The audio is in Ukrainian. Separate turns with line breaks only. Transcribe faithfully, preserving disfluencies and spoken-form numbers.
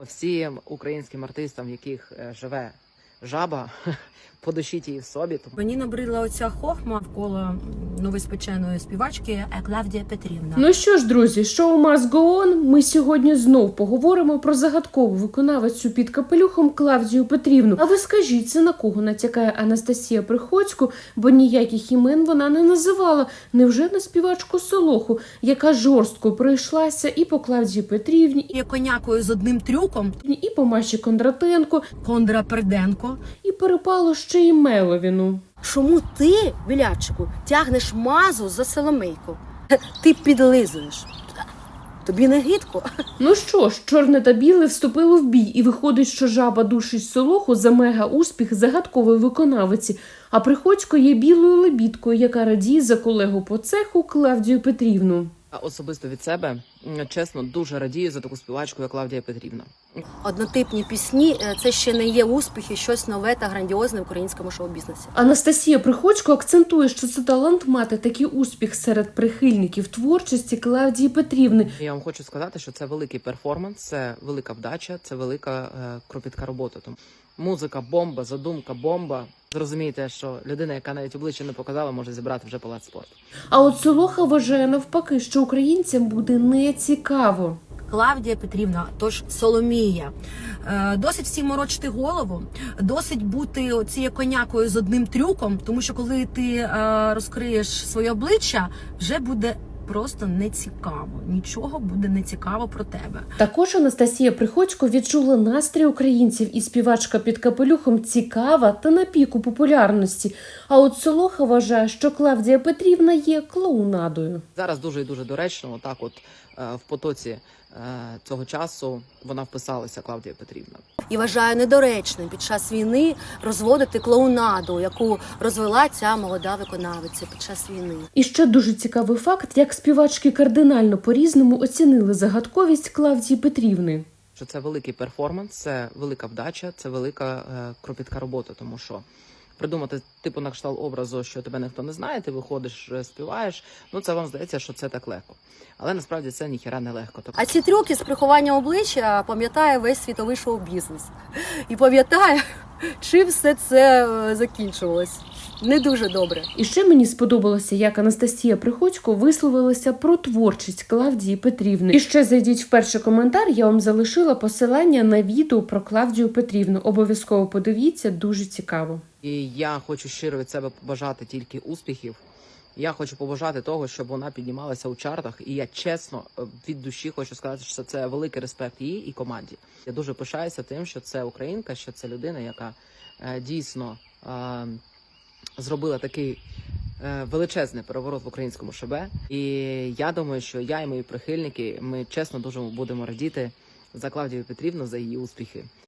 Всім українським артистам, в яких е, живе жаба, подушіть її в собі.
Мені набридла оця хохма навколо новоспеченої співачки Клавдія Петрівна.
Ну що ж, друзі, шоу Must Go On. Ми сьогодні знов поговоримо про загадкову виконавицю під капелюхом Клавдію Петрівну. А ви скажіть, це на кого натякає Анастасія Приходько, бо ніяких імен вона не називала. Невже на співачку Солоху, яка жорстко пройшлася і по Клавдії Петрівні,
Є конякою з одним трюком,
і по Маші Кондратенко,
Кондра Перденко.
і перепало ще й Меловіну.
Чому ти, Білявчику, тягнеш мазу за Соломейку? Ти підлизуєш. Тобі не гидко?
Ну що ж, чорне та біле вступило в бій, і виходить, що жаба душить Солоху за мега-успіх загадкової виконавиці, а Приходько є білою лебідкою, яка радіє за колегу по цеху Клавдію Петрівну.
А особисто від себе, м, чесно, дуже радію за таку співачку, як Клавдія Петрівна.
Однотипні пісні – це ще не є успіхи, щось нове та грандіозне в українському шоу-бізнесі.
Анастасія Приходько акцентує, що це талант мати такий успіх серед прихильників творчості Клавдії Петрівни.
Я вам хочу сказати, що це великий перформанс, це велика вдача, це велика е, кропітка робота. Тому музика бомба, задумка бомба. Зрозумієте, що людина, яка навіть обличчя не показала, може зібрати вже палац спорту.
А от Солоха вважає навпаки, що українцям буде нецікаво.
Клавдія Петрівна, тож Соломія. Е, Досить всім морочити голову, досить бути цією конякою з одним трюком, тому що коли ти е, розкриєш своє обличчя, вже буде просто нецікаво. Нічого буде нецікаво про тебе.
Також Анастасія Приходько відчула настрій українців, і співачка під капелюхом цікава та на піку популярності. А от Солоха вважає, що Клавдія Петрівна є клоунадою.
Зараз дуже і дуже доречно, отак от е, в потоці е, цього часу вона вписалася, Клавдія Петрівна.
І вважаю недоречним під час війни розводити клоунаду, яку розвела ця молода виконавиця під час війни.
І ще дуже цікавий факт, як співачки кардинально по-різному оцінили загадковість Клавдії Петрівни.
Що це великий перформанс, це велика вдача, це велика е, кропітка робота, тому що придумати типу на кшталт образу, що тебе ніхто не знає, ти виходиш, співаєш, ну це вам здається, що це так легко. Але насправді це ніхіра не легко.
А ці трюки з приховання обличчя пам'ятає весь світовий шоу-бізнес. І пам'ятає, чим все це е, закінчувалось. Не дуже добре.
І ще мені сподобалося, як Анастасія Приходько висловилася про творчість Клавдії Петрівни. І ще зайдіть в перший коментар, я вам залишила посилання на відео про Клавдію Петрівну. Обов'язково подивіться, дуже цікаво.
І я хочу щиро від себе побажати тільки успіхів. Я хочу побажати того, щоб вона піднімалася у чартах. І я чесно від душі хочу сказати, що це великий респект їй і команді. Я дуже пишаюся тим, що це українка, що це людина, яка е, дійсно е, зробила такий е, величезний переворот в українському ШБ. І я думаю, що я і мої прихильники, ми чесно дуже будемо радіти за Клавдію Петрівну, за її успіхи.